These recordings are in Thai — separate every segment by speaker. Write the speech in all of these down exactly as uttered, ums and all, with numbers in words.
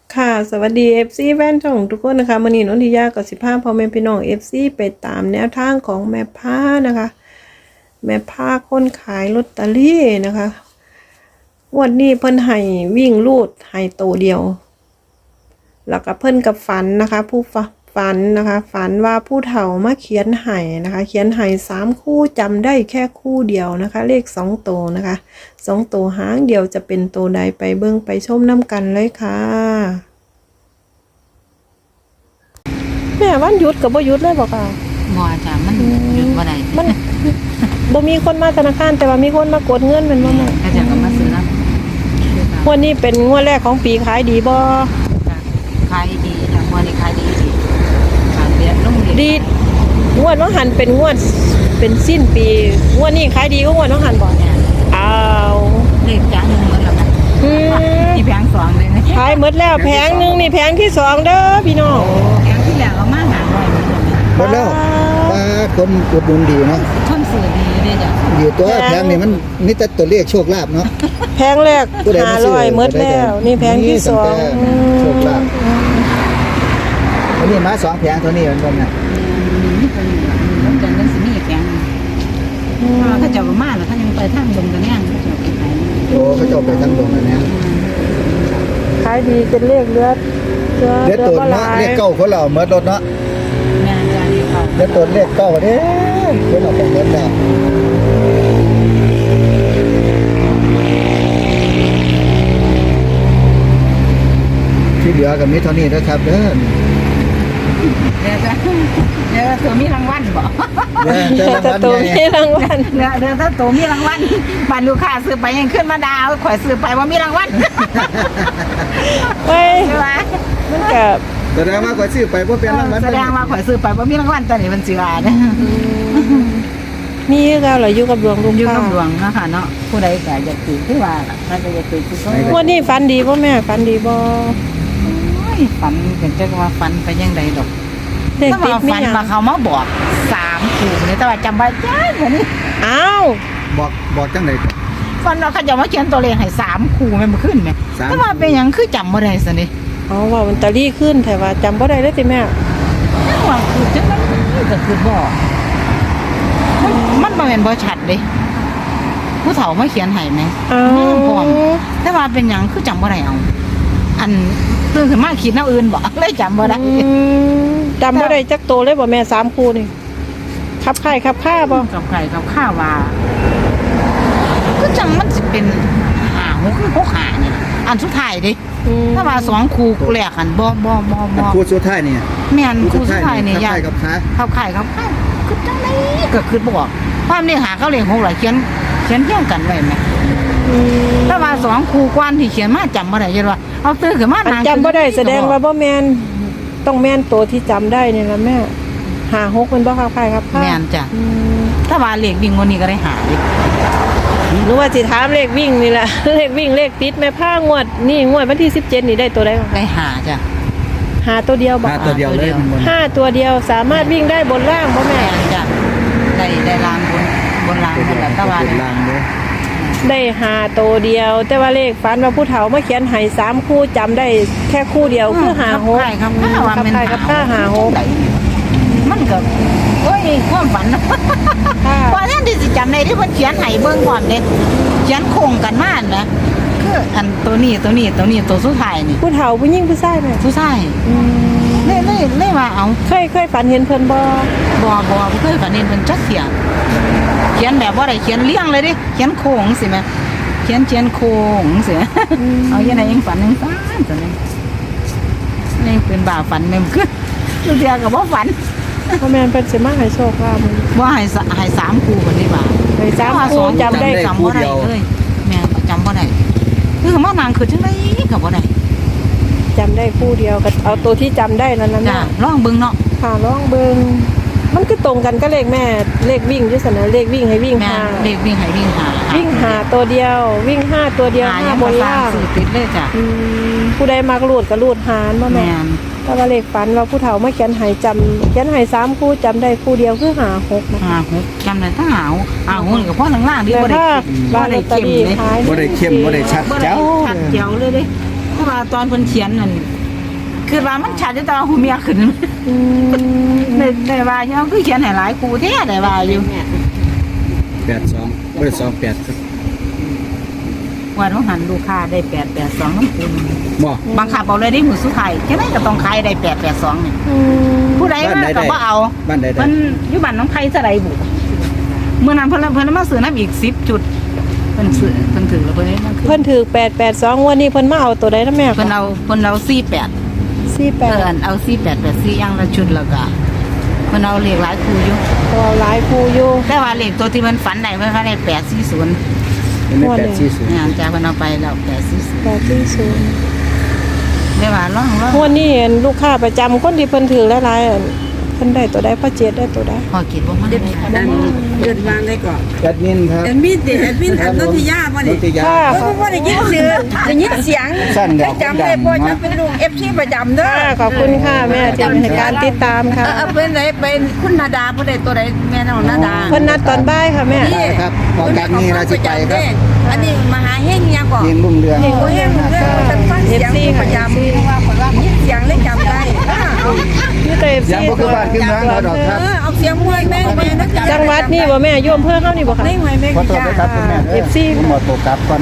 Speaker 1: ค่ะสวัสดี เอฟ ซี แฟนช่องทุกคนนะคะมื้อนี้นนทิยากับสิบห้าพ่อแม่พี่น้อง เอฟ ซี ไปตามแนวทางของแม่ผ้านะคะ แม่ผ้าคนขายลอตเตอรี่นะคะงวดนี้เพิ่นให้วิ่งลูดให้โตเดียว แล้วก็เพิ่นกับฝันนะคะ ผู้ฝันนะคะ ฝันว่าผู้เฒ่ามาเขียนให้นะคะ เขียนให้สามคู่จำได้แค่คู่เดียวนะคะ เลขสองโตนะคะสองโตหางเดียวจะเป็นโตใดไปเบิ่งไปชมน้ำกันเลยค่ะแม่วันหยุดกับบ่หยุดเลยบอกค่ะ
Speaker 2: บ่จ้ะมันหยุดบ่ได้
Speaker 1: มันบ่มีคนมาธนาคารแต่ว่ามีคนมากดเงินแม่นบ่แม่
Speaker 2: ก็จะก็มาซื้อแล้ว
Speaker 1: งวดนี้เป็นงวดแรกของปีขายดีบ่
Speaker 2: ขายดีจ้ะมื้อนี้ขายดีดีขายเรียนลงเรียน
Speaker 1: ดีงวดว่าหันเป็นงวดเป็นสิ้นปีงวดนี้ขายดีก็งวดว่าหันบ่อ้าว
Speaker 2: เลขจ้ะหนึงหมดแล้วนะ
Speaker 1: อืม
Speaker 2: มีแผงสองเลยนะ
Speaker 1: ขายหมดแล้วแผงหนึงนี่แผงที่สองเด้อพี่น้อง
Speaker 2: แผงที่แล้วเอามาหาหน่อยหมดแล้ว
Speaker 3: หมดแล้วปลาคนอุดหนุนดีเนาะ
Speaker 2: ท่อนสื่อดีเลยจ้ะ
Speaker 3: อยู่ตัวแพงนี่มันนี่แต่ตัวเลขโชคลาภเนาะ
Speaker 1: แผงแรก
Speaker 3: ผู้ใด
Speaker 1: ห้า
Speaker 3: มาซื้อ
Speaker 1: ร้อยหมดแล้วนี่แผงที่สอง
Speaker 3: นี่ตั้แต่โชคลาภอันนี้มาสองแผงเท่านี้มันบ่แม่
Speaker 2: นี่เป็นมันจะนั้นสิมีแผงถ้าเจ้าก็มาแล้วถ้ายังไปทางลงกันแน่เขาเจ้าไปขาย
Speaker 3: โอ้เขาเจ้าไปทั้งดงอันเนี้ย
Speaker 1: ขายดีเป็นเลขเลือดเลือด
Speaker 3: เด็ดตัว
Speaker 1: บ่ห
Speaker 3: เนาะ
Speaker 1: ลาย
Speaker 3: เลขเก้าคนเราเมื่อรถเนาะ
Speaker 2: แม่จ้ะนี่เขา
Speaker 3: เด็ดตัวเลขเก้าเด้คนเราไปเงินแล้วที่เหลือก็มีเท่านี้นะครับเด้อ
Speaker 2: เดี๋ยวจ้ะเดี๋ยวตัวมีรางวัลบ่
Speaker 3: เด้อเจ้า
Speaker 1: แต่
Speaker 3: ราง
Speaker 1: ตัว
Speaker 3: วัลใหญ่
Speaker 1: มีรางวัล
Speaker 2: เดี๋ยวเดี๋ยวถ้าตัวมีรางวัลบ้านลูกค้าซื้อไปยังขึ้นมาดาวข่อยซื้อไปว่ามีรางวัล
Speaker 1: เฮ้ย
Speaker 2: ใช่ไหม
Speaker 1: มันก็
Speaker 3: แสดงว่าข่อยซื้อไปบ่เป็นรางวัล
Speaker 2: แสดงว่าข่อยซื้อไปว่ามีรางวัลตอนนี้มันเสือเนี่ย
Speaker 1: มีคือเก่าเหรออยู่กับดวงลุง
Speaker 2: อยู่
Speaker 1: ข้า
Speaker 2: กับดวงเนาะค่ะเนาะผู้ใดก็อยากตื่นคือว่าล่ะถ้าก็อยากตื่นคือก็
Speaker 1: งวันนี้ฝันดีบ่แม่ฝันดีบ่
Speaker 2: โอ้ยฝันเป็นจังว่าฝันไปยังไดดอก
Speaker 1: เด็ก
Speaker 2: ถ้า
Speaker 1: ติด
Speaker 2: ว่า
Speaker 1: มี
Speaker 2: ฝัน
Speaker 1: หยัง
Speaker 2: มาเขามาบอกสามคู่เนี่ยแต่ว่าจำไว้จ้าเหมือนนี้
Speaker 1: อ้าว
Speaker 3: บอกบอกจังได๋
Speaker 2: ฝันว่าเขาจะมาเขียนตัวเลขให้สามคู่แม่นบ่ขึ้นแม่
Speaker 3: สาม
Speaker 2: แต่ว่าเป็นหยังคือจำบ่ได้ซะนี่
Speaker 1: อ๋อว่ามันตะลี่ขึ้นแต่ว่าจำบ่ได้เลยติแม่
Speaker 2: แต่ว่าคือจังนั้นก็คือบ่มันมันบ่แม่นบ่ชัดเด้ผู้เฒ่ามาเขียนให้แม่
Speaker 1: อ้า
Speaker 2: แม่
Speaker 1: วน
Speaker 2: พร้อมแต่ว่าเป็นหยังคือจำบ่ได้เอา อันตื่นขึ้นมาคิดแนวอื่นบ่ เลยจำบ่ได้
Speaker 1: อืมจำบ่ได้จักโตเลยบ่แม่สามคู่นี่ขับไข่ขับข้าบ่
Speaker 2: กับไก่กับข้าวว่าก็จังมันสิเป็นหาหกหกหานี่อันสุดท้ายเดิ
Speaker 1: อืม
Speaker 2: ถ้าว่าสองคู่แรกอันบ่บ่บ่บ่
Speaker 3: คู่สุดท้ายนี่
Speaker 2: แม่นคู่สุดท้ายนี่
Speaker 3: กับ
Speaker 2: ยา
Speaker 3: ใครกับขา
Speaker 2: ข้าวไข่ข้าวข้าวคือจังไดก็คือบ่บอกความเรียกหาเขาเรียกหกหลายเขียนเขียนเที่ยงกันไว้แม่
Speaker 1: อืม
Speaker 2: ถ้าว่าสองคู่กวนที่เขียนมาจำบ่ได้จังว่าเอาตื่นขึ้นมา
Speaker 1: อัน
Speaker 2: นาง
Speaker 1: จำบ่ได้แสดงว่าบ่แม่นต้องแม่นโตที่จำได้นี่ล่ะแม่หาหกมันบ่ขับไข่ขับข้า
Speaker 2: แม่นจ้ะ
Speaker 1: อืม
Speaker 2: ถ้าว่าเลขวิ่งวันนี้ก็ได้หาดิ
Speaker 1: หรือว่าสิถามเลขวิ่งนี่แหละ เลขวิ่งเลขติดแม่ผ้างวดนี่งวดวันที่สิบเจ็ดนี่ได้ตัวใดบ้าง
Speaker 2: ได้หาจ้ะ
Speaker 1: หาตัวเดียวบ่
Speaker 3: หาตัวเดียวเลยมันบ่
Speaker 1: ห้าตัวเดียวสามารถวิ่งได้บนล่างบ่แม่
Speaker 2: แม่นจ้ะได้ได้ลางบนบนลาง
Speaker 3: ตัว
Speaker 2: บ
Speaker 3: เดี
Speaker 2: น
Speaker 3: ยว
Speaker 2: แล้วแต่ว่า
Speaker 3: เป็น
Speaker 2: เนี่ย
Speaker 3: ลางเด้อ
Speaker 1: ได้หาตัวเดียว แต่ว่าเลขฝันว่าผู้เฒ่ามาเขียนให้สามคู่จำได้แค่คู่เดียวคือหาหก
Speaker 2: ใช่ครับข้าว่า
Speaker 1: กับ
Speaker 2: มัน
Speaker 1: ใครกับข้าหาหก
Speaker 2: มันก็โอ้ยความฝันนะ
Speaker 1: ค่ะ
Speaker 2: ว่าแน่นที่สิจำได้ที่เพิ่นเขียนให้เบิ่งก่อนเด้เขียนโคงกันมานะคืออันตัวนี้ตัวนี้ตัวนี้ตัวสุดท้ายนี่
Speaker 1: ผู้เฒ่าผู้หญิงผู้ชายแม่
Speaker 2: สุดท้าย
Speaker 1: อืม
Speaker 2: เลยเลยเลยว่าเอา
Speaker 1: เคยเคยฝันเห็นเพิ่นบ่
Speaker 2: บ่บ่บ่เคยฝันเห็นเพิ่นจักเสียเขียนแบบว่าได้เขียนเรียงเลยดิเขียนโค้งสิแม่เขียนเขียนโค้งสิเอาอย่างไหนยังฝันยังฝันจังนี้นี่เป็นบ่าฝันแม่นคือทุกเดียวก็บ่ฝัน
Speaker 1: พ่อแม่นเพิ่นสิมาให้โชคลาภมื้อนี้
Speaker 2: ว่าให้สให้สามคู่คนนี้ว่า
Speaker 1: ให้สามคู่จำได้
Speaker 2: จำบ่ได้เลยแม่จำบ่ได้คือมานางคือจังไดก็บ่ได้
Speaker 1: จำได้คู่เดียวก็เอาตัวที่จำได้นั่นน่ะ
Speaker 2: จ้า
Speaker 1: แม่
Speaker 2: ลองเบิ่งเนาะ
Speaker 1: ค่ะลองเบิ่งมันก็ตรงกันก็เลขแม่เลขวิ่งอยู่ซั่นน่ะเลขวิ่งให้วิ่ง
Speaker 2: แม่
Speaker 1: หา
Speaker 2: เด็กวิ่งให้วิ่งหา
Speaker 1: วิ่งหาตัวเดียว วิ่งห้าตัวเดียว
Speaker 2: หา
Speaker 1: ห้า
Speaker 2: ยัง
Speaker 1: บ
Speaker 2: บ่
Speaker 1: น
Speaker 2: สร้า
Speaker 1: ล่าง ง
Speaker 2: สื่อติดเลยจ้ะ
Speaker 1: อืมผู้ใดมักรูดก็รูดหารบ่
Speaker 2: แม่
Speaker 1: แม่
Speaker 2: น
Speaker 1: ถ้าว่าเลขฝันว่าผู้เฒ่ามาเขียนให้จำเขียนให้สามคู่จำได้คู่เดียวคือหาหกนะ
Speaker 2: หาหกจำได้ถ้าหาวหาหกนี่ก็พอล่างๆที่
Speaker 1: แต่
Speaker 2: บ่ได้
Speaker 1: ถ้า
Speaker 2: บ่
Speaker 1: บ้านล
Speaker 2: ได้
Speaker 1: อตเตอ
Speaker 2: เข้ม
Speaker 1: รี่
Speaker 2: เลย
Speaker 1: ขาย
Speaker 3: บ่ได้เข้มบ่ได้ชัด
Speaker 2: บ่ได้
Speaker 3: เจ้า
Speaker 2: ชัดเจียวเลยเด้เพราะว่าตอนเพิ่นเขียนนั่นคือว่ามันชัดอยู่แต่ว่าหูเมียขึ้น
Speaker 1: อืม
Speaker 2: ได้ได้ว่าอยู่คือเขียนให้หลายครูแท้ได้ว่าอยู่
Speaker 3: แปดสองบ่ได้สองแปดครับ
Speaker 2: ว่าต้องหันลูกค้าได้แปดแปดสองน้ำคูณ
Speaker 3: บ่
Speaker 2: บางคาบอกเลยได้หมูสุดท้ายแค่นั้นก็ต้องขายได้แปดแปดสองนี่
Speaker 1: อืม
Speaker 2: ผู้ใดมาก็บ่เอา
Speaker 3: บ้านใดได้
Speaker 2: มันอยู่บ้านน้องไผ่สะใดบุเมื่อนั้นเพิ่นเพิ่นมาซื้อน้ำอีกสิบจุดเพิ่นซื้อเพิ่นถือแล้วเพิ่นได้มาคื
Speaker 1: เพิ่นถือแปดแปดสองวันนี้เพิ่นมาเอาตัวใดนะแม่
Speaker 2: เพิ่นเอาเพิ่นเอาสี่แปด
Speaker 1: สี่แป
Speaker 2: เอ
Speaker 1: ด
Speaker 2: อเอาสี่แปดแปดสี่อย่างละชุดแล้วก็เพิ่นเอาเลขหลายคู่อยู่
Speaker 1: ตัวหลายคู่อยู่
Speaker 2: แต่ว่าเลขตัวที่มันฝันได้เพิ่นก็ได้แปดสี่ศูนย์
Speaker 3: เป็นแปดสี่ศูนย์
Speaker 2: เนี่ยจ้าเพิ่นเอาไปแล้วแปดสี่ศูนย์
Speaker 1: แปดที่ศูนย์
Speaker 2: ได้ว่าร้องร้อง
Speaker 1: วันนี้เห็นลูกค้าประจำคนที่เพิ่นถือหลายๆอันเพิ่นได้ตัวใดพ่อเจ็ดได้ตัวใด
Speaker 2: พอคิดว่ามันได้
Speaker 4: อันเดินวางได้ก่อน
Speaker 3: แอดมินครับ
Speaker 4: แอดมินติแอดมินอันนนทิยาบ่
Speaker 3: น
Speaker 4: นี่
Speaker 3: นทิยา
Speaker 1: ค่ะ
Speaker 4: เพราะว่าได้ยินเสียงได้ยินเสียง
Speaker 3: สั้นเดี๋ยว
Speaker 4: จำได้บ่จะเป็นลูก เอฟ ซี ประจำเด้อ
Speaker 1: ค่ะขอบคุณค่ะแม่ที่ให้การติดตามค่ะ
Speaker 4: เออเออเป็นไหนเป็นคุณนาดาผู้ใดตัวใดแม่น้องนาดา
Speaker 1: เพิ่นนัดตอนบ่ายค่ะแม่
Speaker 3: ได้ครับพอจากนี้เราจะไปครับ
Speaker 4: อันนี้มหาเฮงยังก่อน
Speaker 3: ยิงลุ่มเรือง
Speaker 4: โอ้เฮงเด้อฉันฟังเสียงประจำยินเสียงเลยจำได้อ่าเอา
Speaker 1: นี่แต่
Speaker 3: ยัง
Speaker 1: ซี
Speaker 3: บ่คือบ้านคือเมืองเราดอกครับ
Speaker 4: เออเอาเสียงมวยแม่แม่นะ
Speaker 1: จังหวัดนี่บ่แม่อยู่อำเภอเฮานี่บ่ค่ะ
Speaker 4: ไม่ไหวแม่
Speaker 3: ขอโทษ
Speaker 4: จ้า
Speaker 3: ด้วยครับคุณแม่
Speaker 1: เอฟซี
Speaker 3: ผมหมดตัวกลับก่อน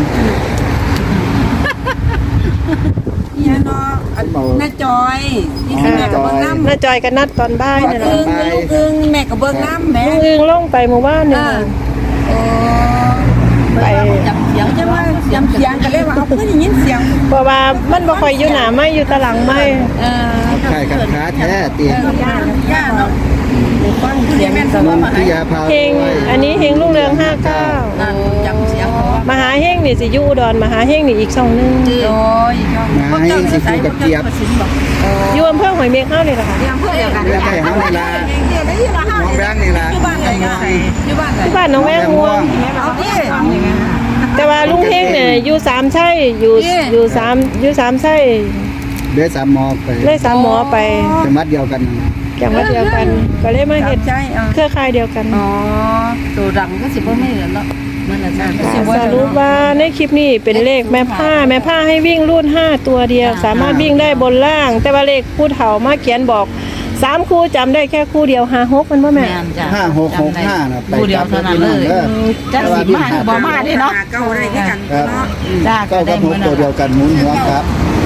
Speaker 4: เนี่ยเนาะอันน้าจอยนี่คือแม่กับเบิ้งน้ำ
Speaker 1: น้าจอยก็นัดตอนบ่ายนี่
Speaker 4: อึ้
Speaker 1: ล่ะ
Speaker 4: งลูกอึ้งแม่กับเบิ้งน้ำแม่
Speaker 1: ลุงอึงลงไปหมู่บ้านนี่
Speaker 4: เออ
Speaker 1: ค่ะ
Speaker 4: โอ้
Speaker 1: ไป
Speaker 4: จำเสียงจะว่าจำเสียงกันเลยว่าเอาเพื่อนยินเสียง
Speaker 1: เพราะว่ามันบ่ค่อยอยู่หน้าไม้อยู่ตะหลังไม้
Speaker 4: เออ
Speaker 3: ใช่ครับค้าแท้เตียง
Speaker 4: ย่าย่าเนาะฟังเสียงแม่น
Speaker 3: นนทิยาพา
Speaker 1: เฮงอันนี้เฮงรุ่งเรืองห้าเก้า
Speaker 4: จำเสียงเขาว่าม
Speaker 1: หาเฮงนี่สิอยู่อุดรมหาเฮงนี่อีกช่องหนึง
Speaker 4: โอ้ย
Speaker 3: มาให้สิคูกับเจี๊ยบ
Speaker 1: อยู่อำเภอหอยเมฆเฮานี่ล่ะค่ะ
Speaker 4: เสียงเพื่อนเดียวกัน
Speaker 3: เรื่องไห้เฮานี่ล่ะ
Speaker 4: เดี๋ยวได้ยินว่า
Speaker 3: น้องแบงค์นี่ล่ะ
Speaker 4: อยู่บ้านไหนกันอยู่บ้านไหน
Speaker 1: ที่บ้านหน้องแวงม่วง
Speaker 4: เอาที่
Speaker 1: แต่ว่าลุงเฮงเนี่ยอยู่สามไช่อยู่
Speaker 4: เอ๊ะ
Speaker 1: อยู่สามอยู่สามไช่
Speaker 3: เดือสามหมอไป
Speaker 1: เลยสามหมอไป
Speaker 3: จังหวัดเดียวกัน
Speaker 1: จังหวัดเดียวกัน ก็เลยมาเฮ็ด
Speaker 4: ใช่เออ
Speaker 1: เครือข่ายเดียวกัน
Speaker 4: อ๋อตัวดังก็สิบ่ไม่เหลือแล้วมันละจ้า
Speaker 1: สรุปว่าในคลิปนี้เป็นเลขแม่ผ้าแม่ผ้าให้วิ่งรุ่นห้าตัวเดียว สามารถวิ่งได้บนล่าง แต่ว่าเลขผู้เฒ่ามาเขียนบอกสามคู่จำได้แค่คู่เดียวห้าหกมันบ่แม่
Speaker 2: แม่นจ้ะ
Speaker 3: ห้าหกหกห้าน่ะไป
Speaker 2: คู่เดียวเท่านั้นเลย จักสิมาหรือบ่มาเด้เนาะ
Speaker 4: เก้าได้แค่กัน
Speaker 3: ครับ
Speaker 4: เนาะ
Speaker 2: จ้า
Speaker 3: เก้า
Speaker 2: ได้
Speaker 3: กับห
Speaker 2: มื้
Speaker 3: ก
Speaker 2: อ
Speaker 3: ตัวเดียวกันหมุนหัวครับ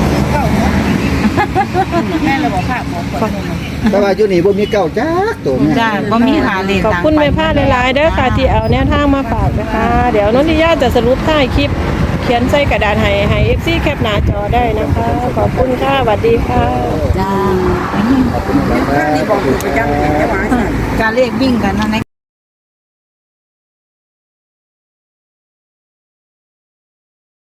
Speaker 4: แม่เราบอกภาพหมอ
Speaker 3: แต่ว่าอยู่นี่บ่มีเก้าจักตัวแม่
Speaker 2: จ้าบ่มีหาเลข
Speaker 1: ขอบคุณแม่ผ้าหลายๆเด้อค่ะที่เอาแนวทางมาฝากนะคะ เดี๋ยวนนทิยาจะสรุปท้ายคลิป เขียนใส่กระดาษให้ให้ เอฟ ซี แคปหน้าจอได้นะคะ ขอบคุณค่ะสวัสดีค่ะ
Speaker 2: จ้า
Speaker 3: ขอบคุณครับ
Speaker 4: ที่บอกอยู่ประจำเลยแค่ว่า
Speaker 2: การเลขวิ่งกันนั่น